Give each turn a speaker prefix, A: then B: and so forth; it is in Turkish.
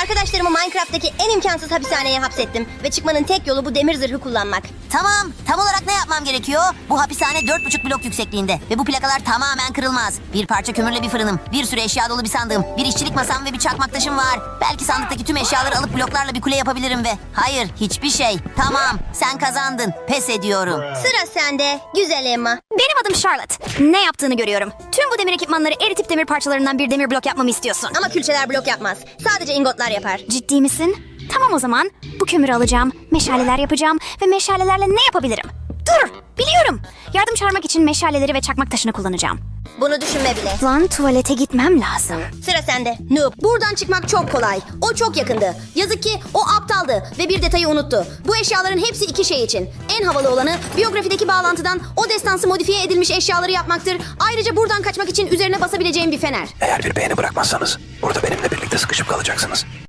A: Arkadaşlarımı Minecraft'taki en imkansız hapishaneye hapsettim. Ve çıkmanın tek yolu bu demir zırhı kullanmak.
B: Tamam, tam olarak ne yapmam gerekiyor? Bu hapishane 4,5 blok yüksekliğinde ve bu plakalar tamamen kırılmaz. Bir parça kömürle bir fırınım, bir sürü eşya dolu bir sandığım, bir işçilik masam ve bir çakmak taşım var. Belki sandıktaki tüm eşyaları alıp bloklarla bir kule yapabilirim ve... Hayır, hiçbir şey. Tamam, sen kazandın. Pes ediyorum.
A: Sıra sende, güzel Emma.
C: Benim adım Charlotte. Ne yaptığını görüyorum. Tüm bu demir ekipmanları eritip demir parçalarından bir demir blok yapmamı istiyorsun.
A: Ama külçeler blok yapmaz. Sadece ingotlar yapar.
C: Ciddi misin? Tamam o zaman. Bu kömürü alacağım, meşaleler yapacağım ve meşalelerle ne yapabilirim? Dur, biliyorum. Yardım çağırmak için meşaleleri ve çakmak taşını kullanacağım.
A: Bunu düşünme bile.
C: Lan tuvalete gitmem lazım.
A: Sıra sende. Noob. Buradan çıkmak çok kolay. O çok yakındı. Yazık ki o aptaldı ve bir detayı unuttu. Bu eşyaların hepsi iki şey için. En havalı olanı biyografideki bağlantıdan o destansı modifiye edilmiş eşyaları yapmaktır. Ayrıca buradan kaçmak için üzerine basabileceğim bir fener.
D: Eğer bir beğeni bırakmazsanız burada benimle birlikte sıkışıp kalacaksınız.